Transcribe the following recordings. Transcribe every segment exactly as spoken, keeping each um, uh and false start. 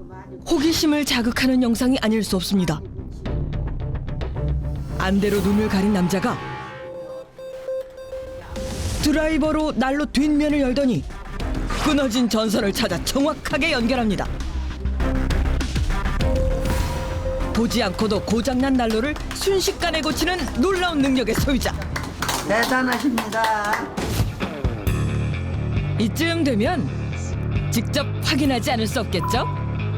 호기심을 자극하는 영상이 아닐 수 없습니다. 안대로 눈을 가린 남자가 드라이버로 난로 뒷면을 열더니 끊어진 전선을 찾아 정확하게 연결합니다. 보지 않고도 고장난 난로를 순식간에 고치는 놀라운 능력의 소유자. 대단하십니다. 이쯤 되면 직접 확인하지 않을 수 없겠죠?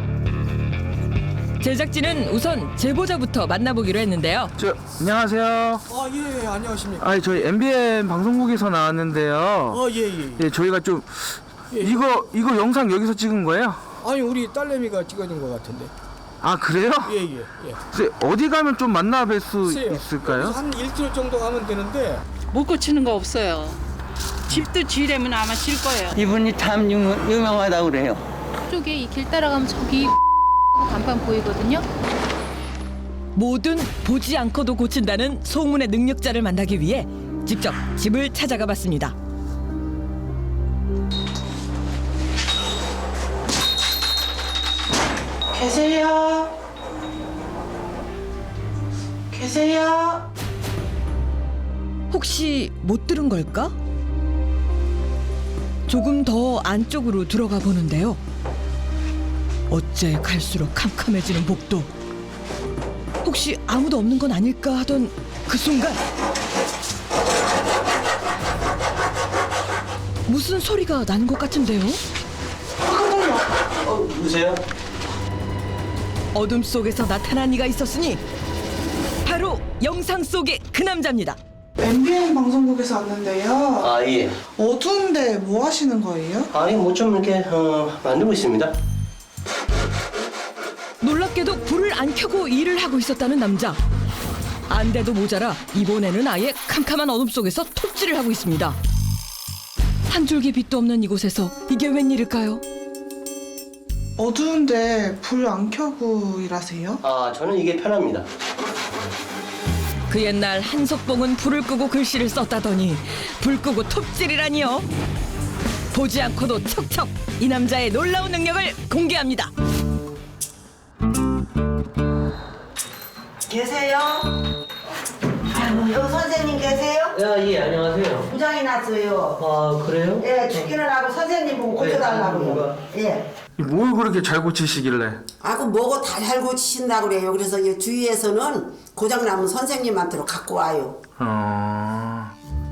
제작진은 우선 제보자부터 만나보기로 했는데요. 저 안녕하세요. 아, 예, 예, 안녕하십니까. 아, 저희 엠비엔 방송국에서 나왔는데요. 아, 예, 예. 예, 저희가 좀 예. 이거 이거 영상 여기서 찍은 거예요? 아니, 우리 딸내미가 찍어준 것 같은데. 아, 그래요? 예, 예, 예. 글쎄, 어디 가면 좀 만나 뵐 수 글쎄요. 있을까요? 여기서 한 일 킬로미터 정도 가면 되는데. 못 고치는 거 없어요. 집도 지으려면 아마 질 거예요. 이분이 참 유명, 유명하다고 그래요. 쪽에 이 길 따라가면 저기 간판 보이거든요. 뭐든 보지 않고도 고친다는 소문의 능력자를 만나기 위해 직접 집을 찾아가 봤습니다. 계세요? 계세요? 혹시 못 들은 걸까? 조금 더 안쪽으로 들어가 보는데요. 어째 갈수록 캄캄해지는 복도. 혹시 아무도 없는 건 아닐까 하던 그 순간 무슨 소리가 나는 것 같은데요? 어, 누구세요? 어둠 속에서 나타난 이가 있었으니 바로 영상 속의 그 남자입니다. 엠비엔 방송국에서 왔는데요. 아, 예. 어두운데 뭐 하시는 거예요? 아니, 뭐 좀 이렇게, 어, 만들고 있습니다. 놀랍게도 불을 안 켜고 일을 하고 있었다는 남자. 안대도 모자라 이번에는 아예 캄캄한 어둠 속에서 톱질을 하고 있습니다. 한 줄기 빛도 없는 이곳에서 이게 웬일일까요? 어두운데 불 안 켜고 일하세요? 아, 저는 이게 편합니다. 그 옛날 한석봉은 불을 끄고 글씨를 썼다더니 불 끄고 톱질이라니요. 보지 않고도 척척 이 남자의 놀라운 능력을 공개합니다. 계세요? 아이고, 여기 선생님 계세요? 야, 예, 안녕하세요. 부장이 났어요. 아, 그래요? 예, 출근을 하고 선생님 보고 고쳐달라고요. 예. 뭘 그렇게 잘 고치시길래? 아, 그 뭐고 다 잘 고치신다고 그래요. 그래서 이 주위에서는 고장나면 선생님한테로 갖고 와요. 어...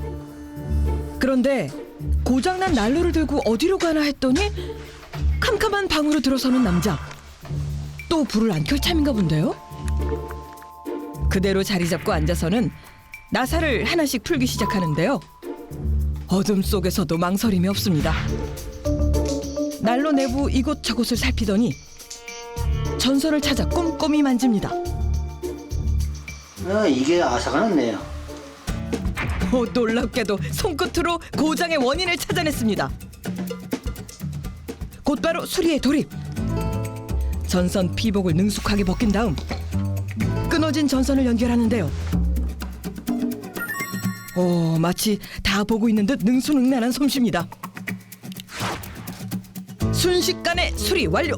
그런데 고장난 난로를 들고 어디로 가나 했더니 캄캄한 방으로 들어서는 남자. 또 불을 안 켤 참인가 본데요? 그대로 자리 잡고 앉아서는 나사를 하나씩 풀기 시작하는데요. 어둠 속에서도 망설임이 없습니다. 난로 내부 이곳저곳을 살피더니 전선을 찾아 꼼꼼히 만집니다. 아, 이게 아사가 났네요. 오, 놀랍게도 손끝으로 고장의 원인을 찾아냈습니다. 곧바로 수리에 돌입. 전선 피복을 능숙하게 벗긴 다음 끊어진 전선을 연결하는데요. 오, 마치 다 보고 있는 듯 능수능란한 솜씨입니다. 순식간에 수리 완료.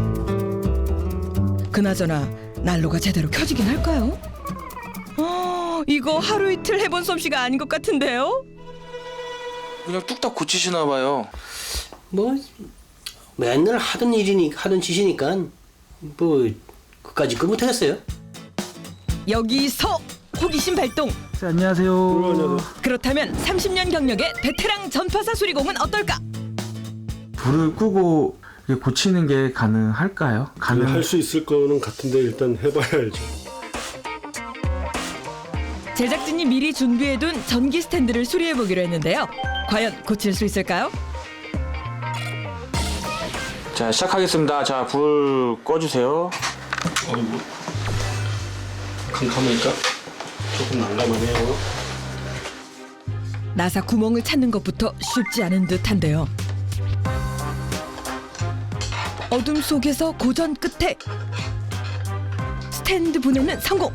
그나저나 난로가 제대로 켜지긴 할까요? 어, 이거 하루 이틀 해본 솜씨가 아닌 것 같은데요? 그냥 뚝딱 고치시나 봐요. 뭐, 맨날 하던 일이니, 하던 짓이니까, 뭐, 그까짓 걸 못하겠어요. 여기서 호기심 발동. 네, 안녕하세요. 그렇다면 삼십 년 경력의 베테랑 전파사 수리공은 어떨까? 불을 끄고 이게 고치는 게 가능할까요? 가능. 할 수 있을 거는 같은데 일단 해봐야 알죠. 제작진이 미리 준비해둔 전기 스탠드를 수리해보기로 했는데요. 과연 고칠 수 있을까요? 자, 시작하겠습니다. 자, 불 꺼주세요. 아니 뭐 캄캄하니까 조금 난감하네요. 나사 구멍을 찾는 것부터 쉽지 않은 듯한데요. 어둠 속에서 고전 끝에 스탠드 분해는 성공!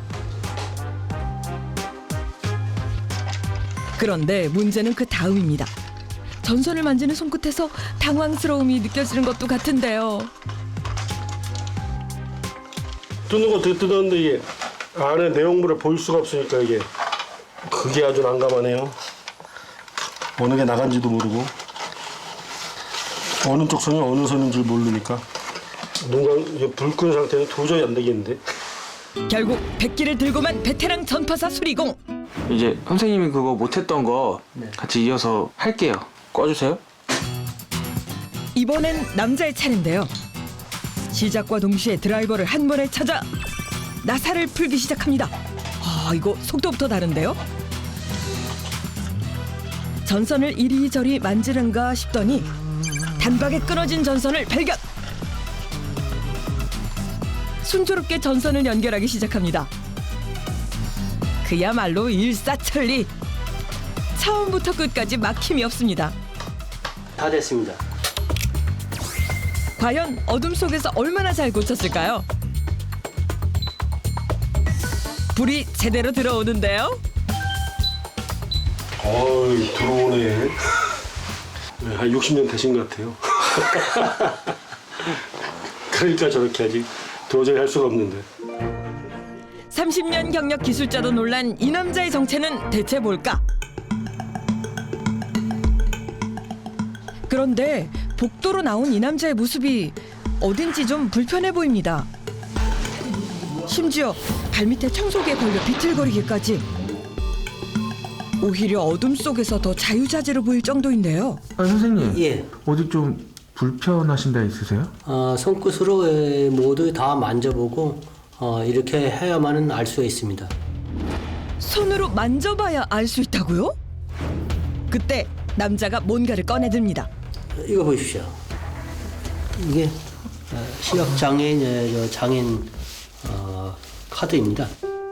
그런데 문제는 그 다음입니다. 전선을 만지는 손끝에서 당황스러움이 느껴지는 것도 같은데요. 뜯는 거 어떻게 뜯었는데 이게 안에 내용물을 볼 수가 없으니까 이게 그게 아주 난감하네요. 어느 게 나간지도 모르고 어느 쪽 선이 어느 선인 줄 모르니까 눈광 불 끈 상태는 도저히 안 되겠는데. 결국 백기를 들고만 베테랑 전파사 수리공. 이제 선생님이 그거 못했던 거 네. 같이 이어서 할게요. 꺼주세요. 이번엔 남자의 차례인데요. 시작과 동시에 드라이버를 한 번에 찾아 나사를 풀기 시작합니다. 아, 이거 속도부터 다른데요? 전선을 이리저리 만지는가 싶더니 단박에 끊어진 전선을 발견. 순조롭게 전선을 연결하기 시작합니다. 그야말로 일사천리. 처음부터 끝까지 막힘이 없습니다. 다 됐습니다. 과연 어둠 속에서 얼마나 잘 고쳤을까요? 불이 제대로 들어오는데요. 어이 들어오네. 네, 한 육십 년 되신 것 같아요. 그러니까 저렇게 아직 도저히 할 수가 없는데. 삼십 년 경력 기술자도 놀란 이 남자의 정체는 대체 뭘까? 그런데 복도로 나온 이 남자의 모습이 어딘지 좀 불편해 보입니다. 심지어 발밑에 청소기에 걸려 비틀거리기까지. 오히려 어둠 속에서 더 자유자재로 보일 정도인데요. 아, 선생님. 예. 어디 좀 불편하신 데 있으세요? 어, 손끝으로 에, 모두 다 만져보고 어, 이렇게 해야만은 알 수가 있습니다. 손으로 만져봐야 알 수 있다고요? 그때 남자가 뭔가를 꺼내듭니다. 이거 보십시오. 이게 어, 시각장애인 장애인 어, 카드입니다.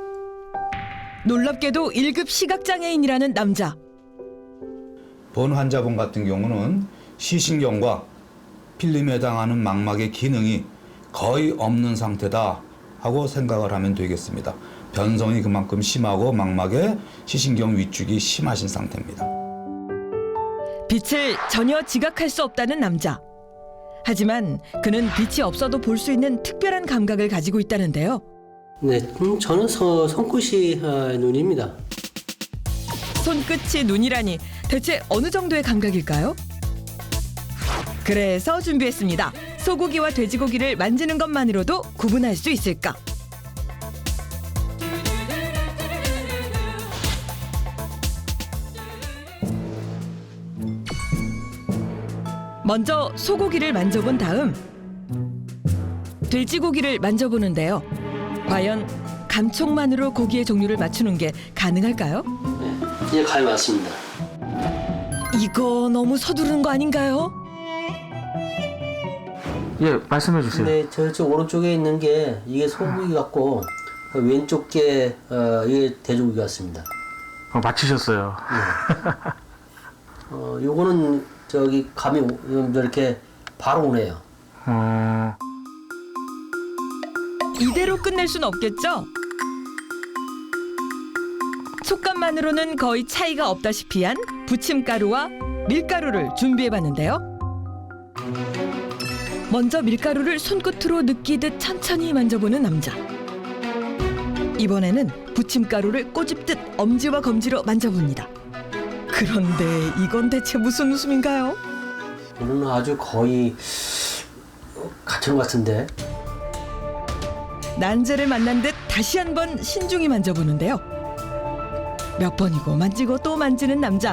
놀랍게도 일 급 시각장애인이라는 남자. 본 환자분 같은 경우는 시신경과 필름에 해당하는 망막의 기능이 거의 없는 상태다 하고 생각을 하면 되겠습니다. 변성이 그만큼 심하고 망막의 시신경 위축이 심하신 상태입니다. 빛을 전혀 지각할 수 없다는 남자. 하지만 그는 빛이 없어도 볼 수 있는 특별한 감각을 가지고 있다는데요. 네, 음, 저는 서, 손끝이 어, 눈입니다. 손끝이 눈이라니 대체 어느 정도의 감각일까요? 그래서 준비했습니다. 소고기와 돼지고기를 만지는 것만으로도 구분할 수 있을까? 먼저 소고기를 만져본 다음 돼지고기를 만져보는데요. 과연 감촉만으로 고기의 종류를 맞추는 게 가능할까요? 네, 이제 감이 왔습니다. 이거 너무 서두르는 거 아닌가요? 예, 말씀해 주세요. 네, 저쪽 오른쪽에 있는 게 이게 소고기 같고 그 왼쪽 게 어, 이게 돼지고기 같습니다. 어, 맞히셨어요. 어, 요거는 저기 감이 오- 이렇게 바로 오네요. 어, 이대로 끝낼 순 없겠죠? 촉감만으로는 거의 차이가 없다시피 한 부침가루와 밀가루를 준비해봤는데요. 먼저 밀가루를 손끝으로 느끼듯 천천히 만져보는 남자. 이번에는 부침가루를 꼬집듯 엄지와 검지로 만져봅니다. 그런데 이건 대체 무슨 웃음인가요? 저는 아주 거의 같은 것 같은데. 난제를 만난 듯 다시 한번 신중히 만져보는데요. 몇 번이고 만지고 또 만지는 남자.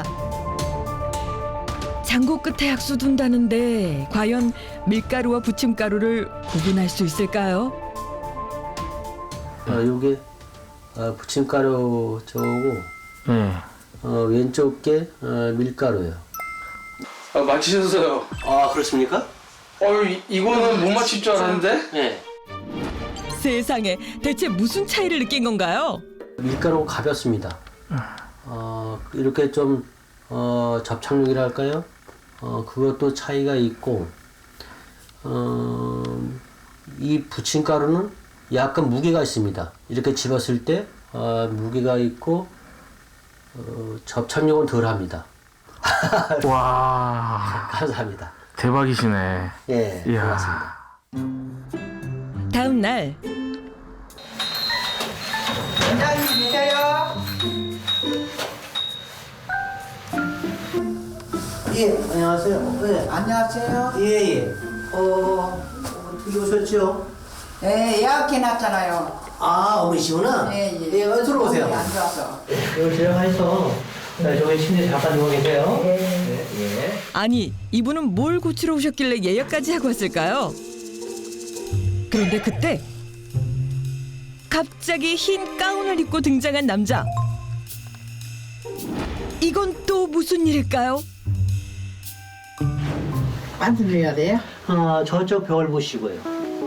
장구 끝에 약수 둔다는데 과연 밀가루와 부침가루를 구분할 수 있을까요? 어, 요게 어, 부침가루 저거고 예. 어, 왼쪽 게 어, 밀가루예요. 아, 맞히셨어요. 아, 그렇습니까? 어, 이, 이거는 못 맞힐 줄 알았는데? 네. 세상에 대체 무슨 차이를 느낀 건가요? 밀가루가 가볍습니다. 어, 이렇게 좀 어, 접착력이라 할까요? 어, 그것도 차이가 있고 어, 이 부침가루는 약간 무게가 있습니다. 이렇게 집었을 때 어, 무게가 있고 어, 접착력은 덜합니다. 와, 감사합니다. 대박이시네. 예, 이야. 고맙습니다. 다음 날 예, 안녕하세요. 네. 안녕하세요. 예, 예. 어, 어떻게 오셨죠? 예, 예약해놨잖아요. 아, 어머니시구나? 예, 예. 예, 어디 들어오세요. 안 좋아서. 여기 들어가서 저기 침대 잠깐 누워 계세요. 예, 예. 아니, 이분은 뭘 고치러 오셨길래 예약까지 하고 왔을까요? 그런데 그때 갑자기 흰 가운을 입고 등장한 남자. 이건 또 무슨 일일까요? 만들어야 돼요? 아, 저쪽 벽을 보시고요.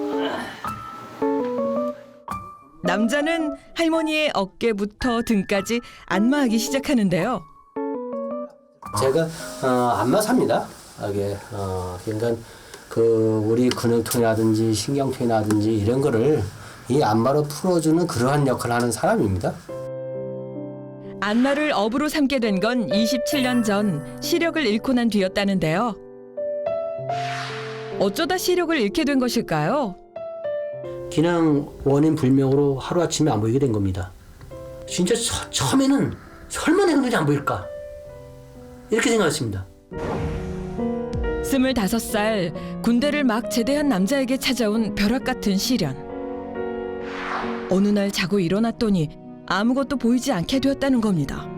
남자는 할머니의 어깨부터 등까지 안마하기 시작하는데요. 제가 어, 안마사입니다. 이게 어, 그러니까 그 우리 근육통이라든지 신경통이라든지 이런 거를 이 안마로 풀어주는 그러한 역할을 하는 사람입니다. 안마를 업으로 삼게 된 건 이십칠 년 전 시력을 잃고 난 뒤였다는데요. 어쩌다 시력을 잃게 된 것일까요? 그냥 원인 불명으로 하루아침에 안 보이게 된 겁니다. 진짜 처, 처음에는 설마 내 눈이 안 보일까? 이렇게 생각했습니다. 스물다섯 살 군대를 막 제대한 남자에게 찾아온 벼락 같은 시련. 어느 날 자고 일어났더니 아무것도 보이지 않게 되었다는 겁니다.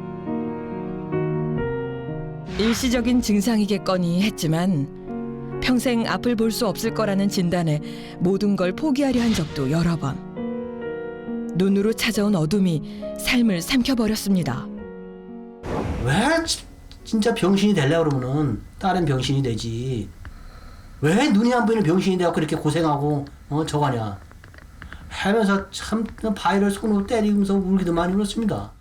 일시적인 증상이겠거니 했지만 평생 앞을 볼 수 없을 거라는 진단에 모든 걸 포기하려 한 적도 여러 번. 눈으로 찾아온 어둠이 삶을 삼켜버렸습니다. 왜 지- 진짜 병신이 되려고 그러면은 다른 병신이 되지. 왜 눈이 안 보이는 병신이 돼갖고 이렇게 고생하고 어 저가냐. 하면서 참 바위를 손으로 때리면서 울기도 많이 울었습니다.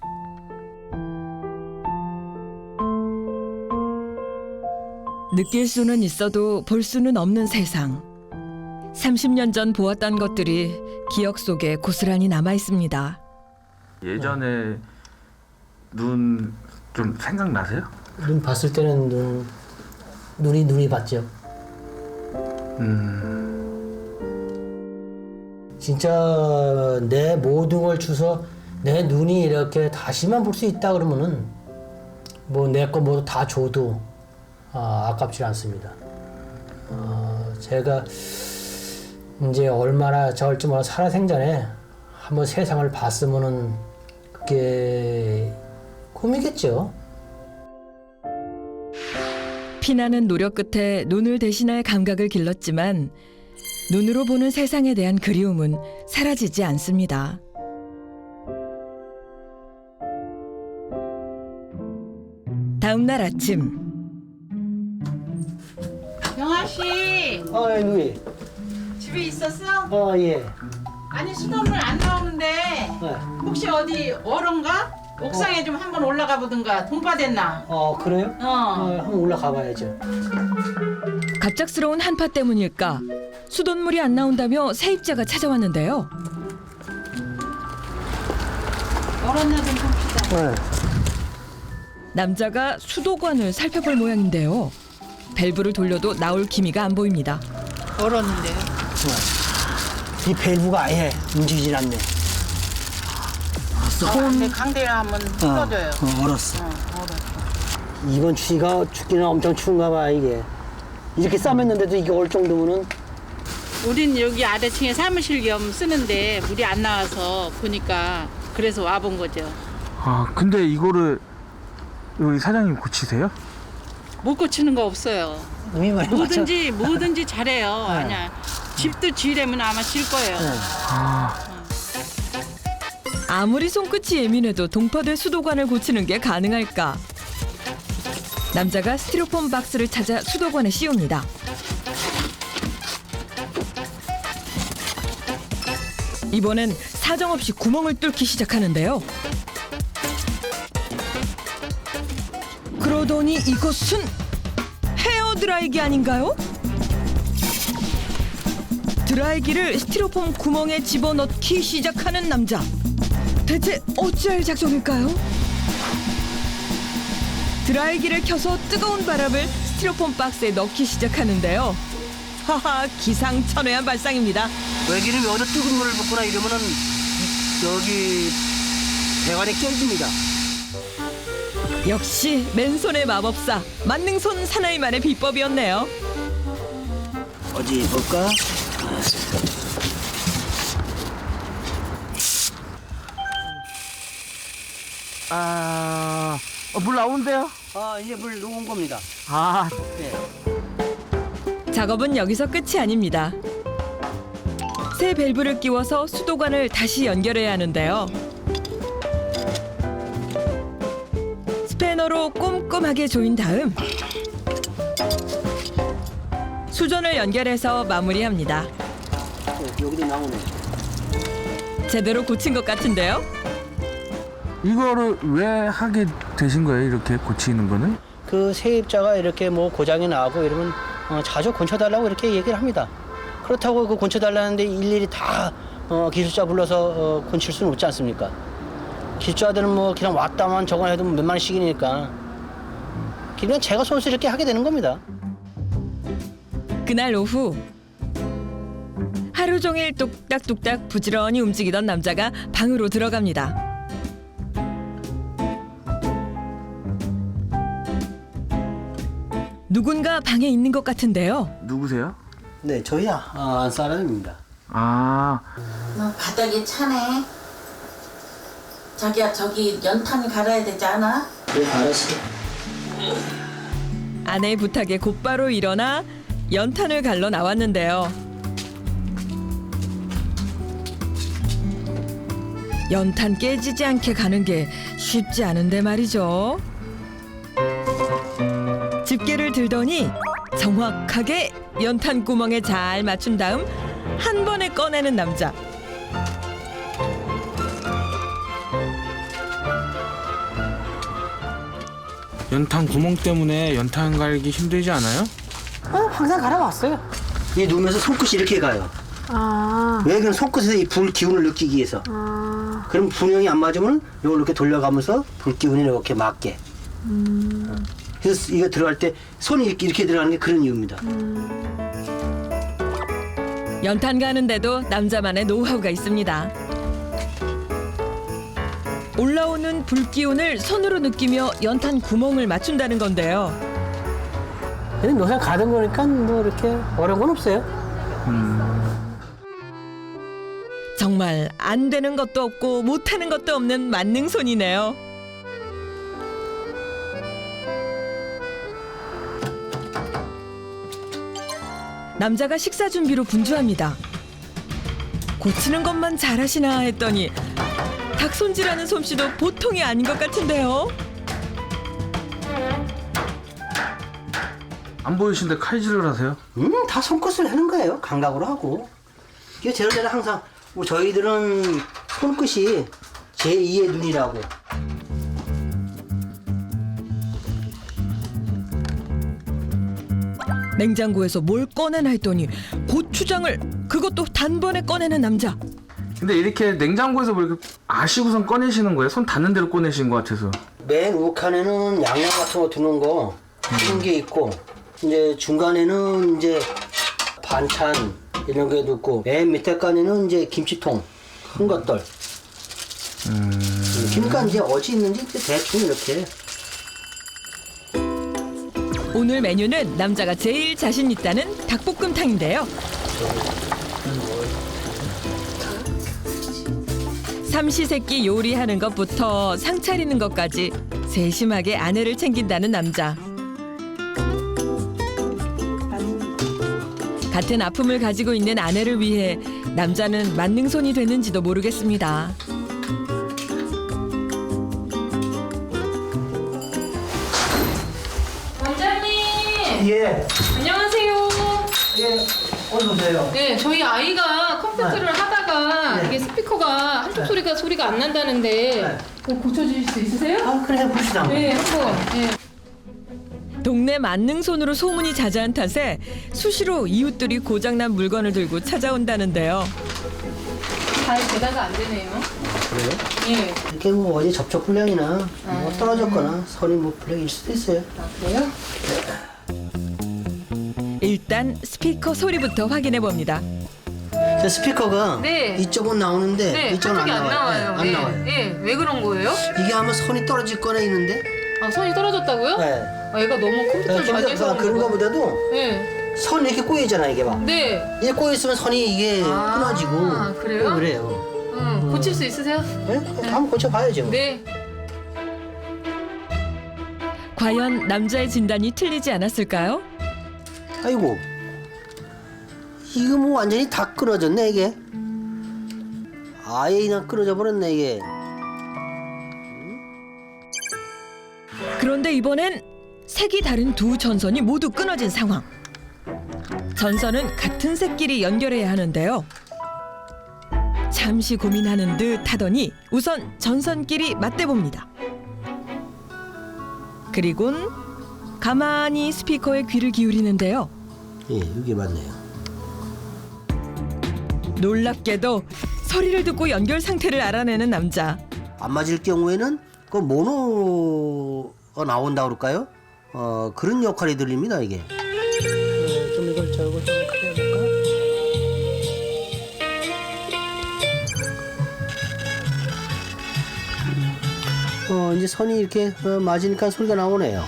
느낄 수는 있어도 볼 수는 없는 세상. 삼십 년 전 보았던 것들이 기억 속에 고스란히 남아 있습니다. 예전에 눈 좀 생각나세요? 눈 봤을 때는 눈, 눈이 눈이 봤죠. 음. 진짜 내 모든 걸 주서 내 눈이 이렇게 다시만 볼 수 있다 그러면은 뭐 내 거 모두 다 줘도 아, 아깝지 않습니다. 어, 제가 이제 얼마나 저을지 몰라 살아생전에 한번 세상을 봤으면은 그게 꿈이겠죠. 피나는 노력 끝에 눈을 대신할 감각을 길렀지만 눈으로 보는 세상에 대한 그리움은 사라지지 않습니다. 다음 날 아침. 영아 씨 어, 예, 누이. 집에 있었어? 어, 예. 아니 수돗물 안 나오는데 네. 혹시 어디 얼은가? 옥상에 좀 한번 올라가 보든가. 동파됐나? 어, 그래요? 어. 어, 한번 올라가 봐야죠. 갑작스러운 한파 때문일까 수돗물이 안 나온다며 세입자가 찾아왔는데요. 얼었나 좀 봅시다. 네. 남자가 수도관을 살펴볼 모양인데요. 밸브를 돌려도 나올 기미가 안 보입니다. 얼었는데요. 이 밸브가 아예 움직이질 않네. 근데 강대를 한번 풀어줘요. 어, 얼었어. 어, 얼었어. 이번 추위가 춥기는 엄청 추운가 봐, 이게. 이렇게 싸맸는데도 이게 얼 정도면은. 우린 여기 아래층에 사무실 겸 쓰는데 물이 안 나와서 보니까 그래서 와본 거죠. 아 근데 이거를 여기 사장님 고치세요? 못 고치는 거 없어요. 의미 많이 뭐든지 뭐든지 잘해요. 아니야. 집도 지으려면 아마 질 거예요. 아 아무리 손끝이 예민해도 동파될 수도관을 고치는 게 가능할까? 남자가 스티로폼 박스를 찾아 수도관에 씌웁니다. 이번엔 사정없이 구멍을 뚫기 시작하는데요. 그러더니 이것은 헤어드라이기 아닌가요? 드라이기를 스티로폼 구멍에 집어넣기 시작하는 남자. 대체 어찌할 작정일까요? 드라이기를 켜서 뜨거운 바람을 스티로폼 박스에 넣기 시작하는데요. 하하, 기상천외한 발상입니다. 외기를 여기다 뜨거운 물을 붓거나 이러면은 여기 배관이 깨집니다. 역시 맨손의 마법사 만능손 사나이만의 비법이었네요. 어디 볼까? 아, 어, 물 나오는데요? 아, 이제 물 녹은 겁니다. 아, 작업은 여기서 끝이 아닙니다. 새 밸브를 끼워서 수도관을 다시 연결해야 하는데요. 스패너로 꼼꼼하게 조인 다음 수전을 연결해서 마무리합니다. 여기도 나오네. 제대로 고친 것 같은데요? 이거를 왜 하게 되신 거예요? 이렇게 고치는 거는? 그 세입자가 이렇게 뭐 고장이 나고 이러면 어, 자주 고쳐달라고 이렇게 얘기를 합니다. 그렇다고 그 고쳐달라는데 일일이 다 어, 기술자 불러서 어, 고칠 수는 없지 않습니까? 기술자들은 뭐 그냥 왔다만 저거 해도 몇만 원씩이니까 그냥 제가 손수 이렇게 하게 되는 겁니다. 그날 오후 하루 종일 뚝딱뚝딱 부지런히 움직이던 남자가 방으로 들어갑니다. 누군가 방에 있는 것 같은데요. 누구세요? 네, 저희야 아, 안 사람입니다. 아, 너 바닥이 차네. 자기야 저기 연탄 갈아야 되지 않아? 네, 알았어. 아내의 부탁에 곧바로 일어나 연탄을 갈러 나왔는데요. 연탄 깨지지 않게 가는 게 쉽지 않은데 말이죠. 집게를 들더니 정확하게 연탄 구멍에 잘 맞춘 다음 한 번에 꺼내는 남자. 연탄 구멍 때문에 연탄 갈기 힘들지 않아요? 어, 항상 갈아왔어요. 이 누우면서 손끝이 이렇게 가요. 아. 왜 그럼 손끝에서 이 불 기운을 느끼기 위해서. 아. 그럼 분명히 안 맞으면 이걸 이렇게 돌려가면서 불 기운이 이렇게 맞게. 음. 그래서 이거 들어갈 때 손이 이렇게, 이렇게 들어가는 게 그런 이유입니다. 연탄 가는데도 남자만의 노하우가 있습니다. 올라오는 불 기운을 손으로 느끼며 연탄 구멍을 맞춘다는 건데요. 근데 노상 가던 거니까 뭐 이렇게 어려운 건 없어요. 정말 안 되는 것도 없고 못하는 것도 없는 만능손이네요. 남자가 식사 준비로 분주합니다. 고치는 것만 잘하시나 했더니 닭 손질하는 솜씨도 보통이 아닌 것 같은데요. 안 보이시는데 칼질을 하세요? 음, 다 손끝을 하는 거예요. 감각으로 하고. 이게 저희들은 항상 뭐 저희들은 손끝이 제이의 눈이라고. 냉장고에서 뭘 꺼내나 했더니 고추장을 그것도 단번에 꺼내는 남자. 근데 이렇게 냉장고에서 뭐 이렇게 아시고선 꺼내시는 거예요? 손 닿는 대로 꺼내신 것 같아서. 맨 우칸에는 양념 같은 거 두는 거 그런 게 있고, 이제 중간에는 이제 반찬 이런 게 넣고, 맨 밑에 칸에는 이제 김치통 큰 것들. 음... 그러니까 이제 어디 있는지 이제 대충 이렇게. 오늘 메뉴는 남자가 제일 자신 있다는 닭볶음탕인데요. 삼시세끼 요리하는 것부터 상 차리는 것까지 세심하게 아내를 챙긴다는 남자. 같은 아픔을 가지고 있는 아내를 위해 남자는 만능손이 되는지도 모르겠습니다. 원장님. 예. 안녕하세요. 예. 어서 오세요. 네, 저희 아이가 컴퓨터를 네. 하다가 네. 이게 스피커가 한쪽 소리가 소리가 안 난다는데 네. 그거 고쳐주실 수 있으세요? 아, 그래 해봅시다. 네, 한번. 네. 동네 만능손으로 소문이 자자한 탓에 수시로 이웃들이 고장난 물건을 들고 찾아온다는데요. 잘 대다가 안 되네요. 그래요? 예. 이렇게 뭐 어디 접촉 불량이나 뭐 떨어졌거나 선이 뭐 불량일 수도 있어요. 아, 그래요? 일단 스피커 소리부터 확인해 봅니다. 저 스피커가 네. 이쪽은 나오는데 네, 이쪽은 안 한쪽이 나와요. 안 나와요. 네, 안 예. 나와요. 예, 왜 그런 거예요? 이게 아마 선이 떨어질 거나 있는데 아, 손이 떨어졌다고요? 네. 아, 얘가 너무 컴퓨터를 네, 많이 해서 그런 그런가? 거보다도 네. 선이 이렇게 꼬이잖아 이게 막. 네. 이게 꼬여 있으면 선이 이게 아, 끊어지고. 그래요? 그래요. 응, 고칠 수 있으세요? 네? 한번 고쳐 봐야죠. 네. 과연 남자의 진단이 틀리지 않았을까요? 아이고. 이거 뭐 완전히 다 끊어졌네 이게. 아예 그냥 끊어져 버렸네 이게. 그런데 이번엔 색이 다른 두 전선이 모두 끊어진 상황. 전선은 같은 색끼리 연결해야 하는데요. 잠시 고민하는 듯 하더니 우선 전선끼리 맞대봅니다. 그리곤 가만히 스피커에 귀를 기울이는데요. 예, 이게 맞네요. 놀랍게도 소리를 듣고 연결 상태를 알아내는 남자. 안 맞을 경우에는 그 모노가 나온다 그럴까요? 어 그런 역할이 들립니다 이게. 네, 좀 이걸 저거 좀 크게 해볼까? 어 이제 선이 이렇게 어, 맞으니까 소리가 나오네요.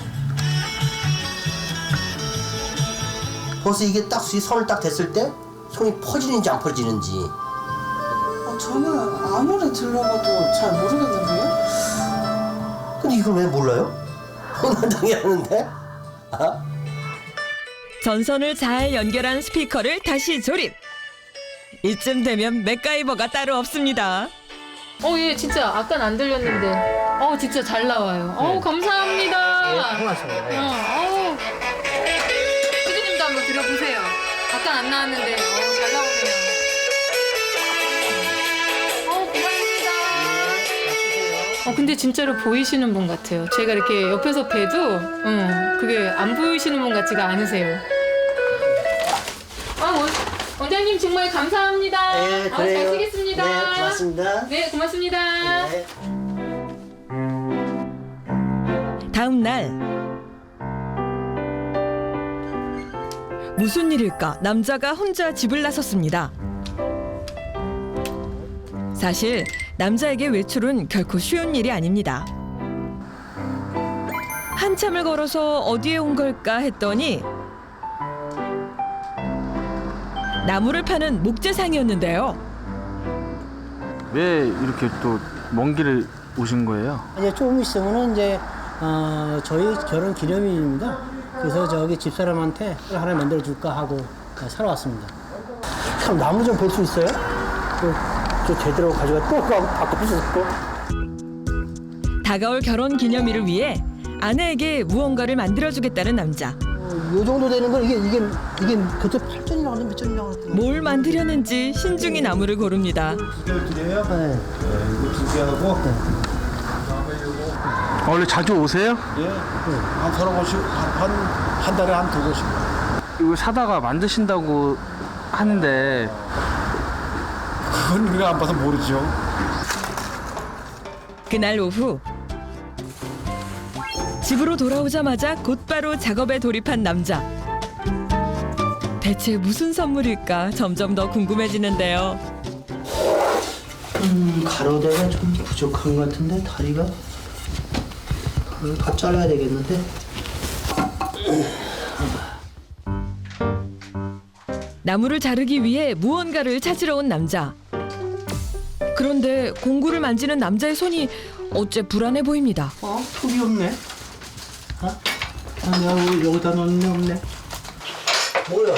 벌써 이게 딱 이 선을 딱 댔을 때 손이 퍼지는지 안 퍼지는지. 어, 저는 아무리 들어봐도 잘 모르겠는데요? 근데 이걸 왜 몰라요? 혼란당해 하는데? 아? 전선을 잘 연결한 스피커를 다시 조립. 이쯤 되면 맥가이버가 따로 없습니다. 어, 예, 진짜 아까는 안 들렸는데. 어, 진짜 잘 나와요. 어, 감사합니다. 예, 고맙습니다. 예. 어, 어우. 피디님도 한번 들어보세요. 아까 안 나왔는데, 어, 잘 나오네요. 어, 고맙습니다. 어, 근데 진짜로 보이시는 분 같아요. 제가 이렇게 옆에서 봬도, 응, 그게 안 보이시는 분 같지가 않으세요. 아, 원, 원장님 정말 감사합니다. 네, 어, 그래요. 잘 쓰겠습니다. 네, 고맙습니다. 네, 고맙습니다. 네. 다음 날 무슨 일일까 남자가 혼자 집을 나섰습니다. 사실 남자에게 외출은 결코 쉬운 일이 아닙니다. 한참을 걸어서 어디에 온 걸까 했더니 나무를 파는 목재상이었는데요. 왜 이렇게 또 먼 길을 오신 거예요? 이제 조금 있으면은 이제 어, 저희 결혼 기념일입니다. 그래서 저기 집사람한테 하나 만들어 줄까 하고 사러 왔습니다. 참 나무 좀 볼 수 있어요? 또, 또 제대로 가져가 또 하고 바꿔 주셨고. 다가올 결혼 기념일을 위해 아내에게 무언가를 만들어주겠다는 남자. 어, 요 정도 되는 건 이게 이게 이게 그때 팔 전이라고 하는데 몇 전이라고 하는데. 뭘 만들려는지 신중히 나무를 고릅니다. 네. 이거 두 개 하고 아, 원래 자주 오세요? 예, 한 서너 번씩 한, 한 달에 한 두 번씩. 이거 사다가 만드신다고 하는데 그건 우리가 안 봐서 모르죠. 그날 오후 집으로 돌아오자마자 곧바로 작업에 돌입한 남자. 대체 무슨 선물일까 점점 더 궁금해지는데요. 음, 가로대가 좀 부족한 것 같은데 다리가 다리를 더 잘라야 되겠는데. 나무를 자르기 위해 무언가를 찾으러 온 남자. 그런데 공구를 만지는 남자의 손이 어째 불안해 보입니다. 어? 톱이 없네. 어? 아, 내가 여기, 여기다 넣었네 없네. 뭐야?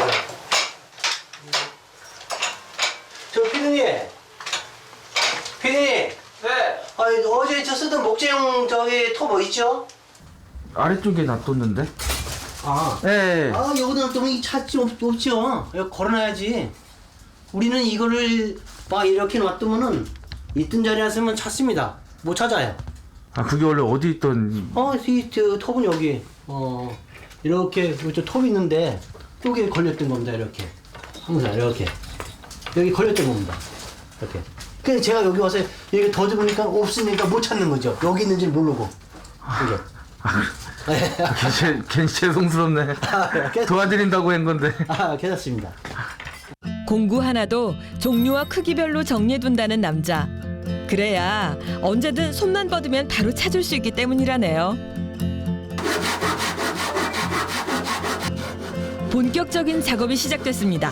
저 피디님. 피디님. 네. 아, 어제 저 쓰던 목재용 저기 톱 뭐 있죠? 아래쪽에 놔뒀는데? 아. 네. 아, 여기다 놔두면 이 찾지 없, 없죠. 여기 걸어놔야지. 우리는 이거를 막 이렇게 놔두면은 있던 자리에 놨으면 찾습니다. 못 찾아요. 아, 그게 원래 어디 있던... 어, 이 저, 톱은 여기. 어, 이렇게 저 톱이 있는데 여기에 걸렸던 겁니다. 이렇게. 항상 이렇게. 여기 걸렸던 겁니다. 이렇게. 그래서 제가 여기 와서 여기 더듬으니까 없으니까 못 찾는 거죠. 여기 있는지 모르고. 이게. 괜히, 괜히 죄송스럽네. 도와드린다고 한 건데. 아, 괜찮습니다. 공구 하나도 종류와 크기별로 정리해둔다는 남자. 그래야 언제든 손만 뻗으면 바로 찾을 수 있기 때문이라네요. 본격적인 작업이 시작됐습니다.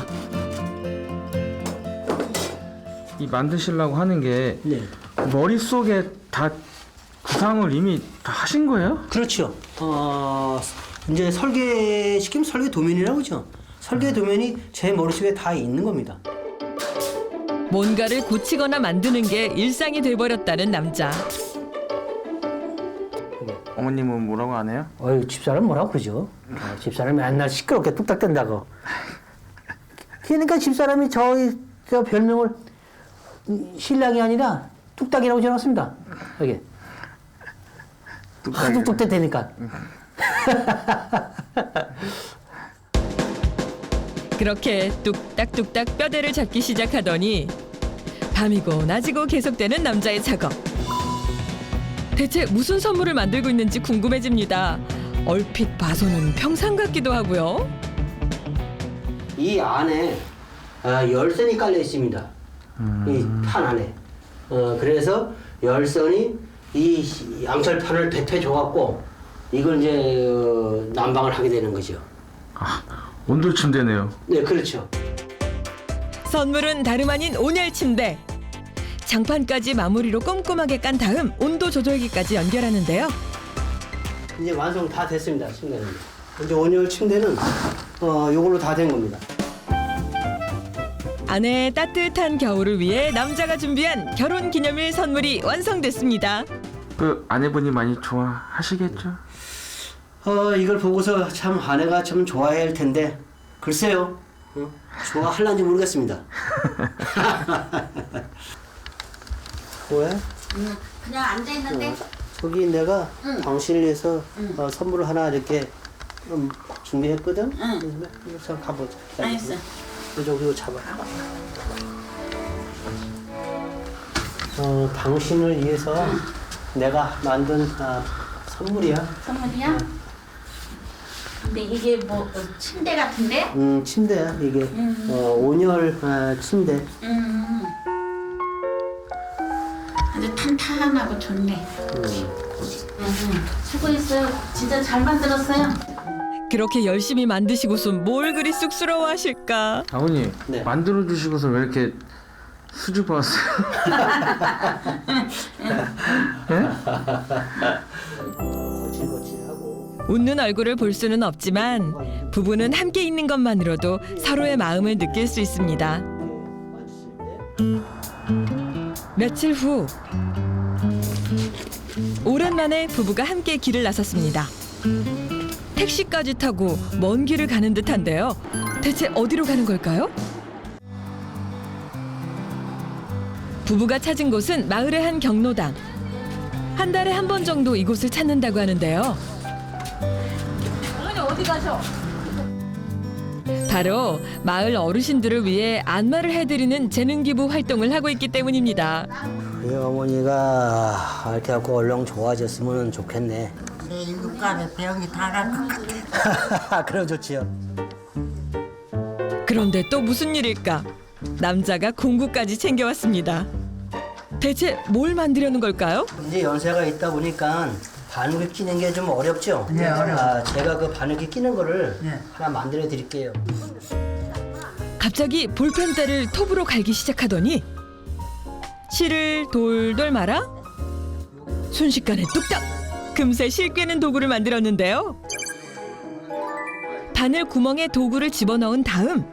이 만드시려고 하는 게 네. 머릿속에 다 구상을 이미 다 하신 거예요? 그렇죠. 어, 이제 설계 시키면 설계 도면이라고 그러죠. 설계 도면이 제 머릿속에 다 있는 겁니다. 뭔가를 고치거나 만드는 게 일상이 돼버렸다는 남자. 어머님은 뭐라고 안 해요? 어이, 집사람 뭐라고 그러죠? 어, 집사람이 맨날 시끄럽게 뚝딱댄다고. 그러니까 집사람이 저희 저 별명을 신랑이 아니라 뚝딱이라고 지어놨습니다. 여기. 하도 뚝딱대니까. 그렇게 뚝딱뚝딱 뼈대를 잡기 시작하더니 밤이고 낮이고 계속되는 남자의 작업. 대체 무슨 선물을 만들고 있는지 궁금해집니다. 얼핏 봐서는 평상 같기도 하고요. 이 안에 아, 열선이 깔려 있습니다. 이 판 안에. 어, 그래서 열선이 이 양철판을 배트해 줘갖고 이걸 이제 어, 난방을 하게 되는 거죠. 아, 온돌 침대네요. 네, 그렇죠. 선물은 다름 아닌 온열 침대. 장판까지 마무리로 꼼꼼하게 깐 다음 온도 조절기까지 연결하는데요. 이제 완성 다 됐습니다. 침대는. 이제 온열 침대는 어, 요걸로 다 된 겁니다. 아내의 따뜻한 겨울을 위해 남자가 준비한 결혼 기념일 선물이 완성됐습니다. 그 아내분이 많이 좋아하시겠죠? 어, 이걸 보고서 참 아내가 참 좋아해야 할 텐데 글쎄요. 어? 좋아할란지 모르겠습니다. 왜? 응, 그냥 앉아 있는데. 어, 저기 내가 응. 당신을 위해서 응. 어, 선물을 하나 이렇게 음, 준비했거든. 응. 그래서 가보자. 알겠어. 이쪽 이거 잡아. 어, 당신을 위해서 응. 내가 만든 아, 선물이야. 선물이야? 근데 이게 뭐 어, 침대 같은데? 음, 침대야 이게. 음. 어, 온열 아, 침대. 음. 아주 탄탄하고 좋네. 음. 음. 수고했어요. 진짜 잘 만들었어요. 그렇게 열심히 만드시고선 뭘 그리 쑥스러워하실까? 아버님 네. 만들어 주시고서 왜 이렇게 수줍어 왔어요? 거칠거칠하고. 웃는 얼굴을 볼 수는 없지만 부부는 함께 있는 것만으로도 서로의 마음을 느낄 수 있습니다. 며칠 후 오랜만에 부부가 함께 길을 나섰습니다. 택시까지 타고 먼 길을 가는 듯한데요. 대체 어디로 가는 걸까요? 부부가 찾은 곳은 마을의 한 경로당. 한 달에 한 번 정도 이곳을 찾는다고 하는데요. 어머니 어디 가셔? 바로 마을 어르신들을 위해 안마를 해드리는 재능기부 활동을 하고 있기 때문입니다. 우리 어머니가 이렇게 하고 얼렁 좋아졌으면 좋겠네. 내 일곱 가지 병이 다 갈 것 같아. 그럼 좋지요. 그런데 또 무슨 일일까? 남자가 공구까지 챙겨왔습니다. 대체 뭘 만들려는 걸까요? 이제 연세가 있다 보니까 바늘을 끼는 게 좀 어렵죠? 네, 어려워요. 아, 제가 그 바늘기 끼는 거를 네. 하나 만들어 드릴게요. 갑자기 볼펜대를 톱으로 갈기 시작하더니 실을 돌돌 말아 순식간에 뚝딱 금세 실 꿰는 도구를 만들었는데요. 바늘 구멍에 도구를 집어넣은 다음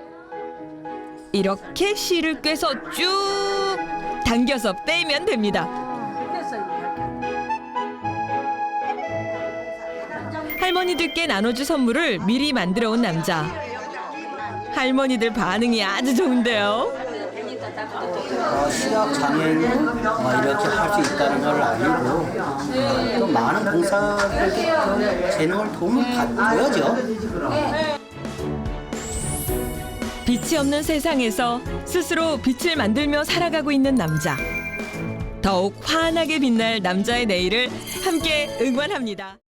이렇게 실을 꿰서 쭉 당겨서 빼면 됩니다. 할머니들께 나눠줄 선물을 미리 만들어 온 남자. 할머니들 반응이 아주 좋은데요. 어, 시각 장애인은 어, 이렇게 할 수 있다는 걸 알고 어, 또 많은 봉사들에게 재능을 도움을 받아야죠. 빛이 없는 세상에서 스스로 빛을 만들며 살아가고 있는 남자. 더욱 환하게 빛날 남자의 내일을 함께 응원합니다.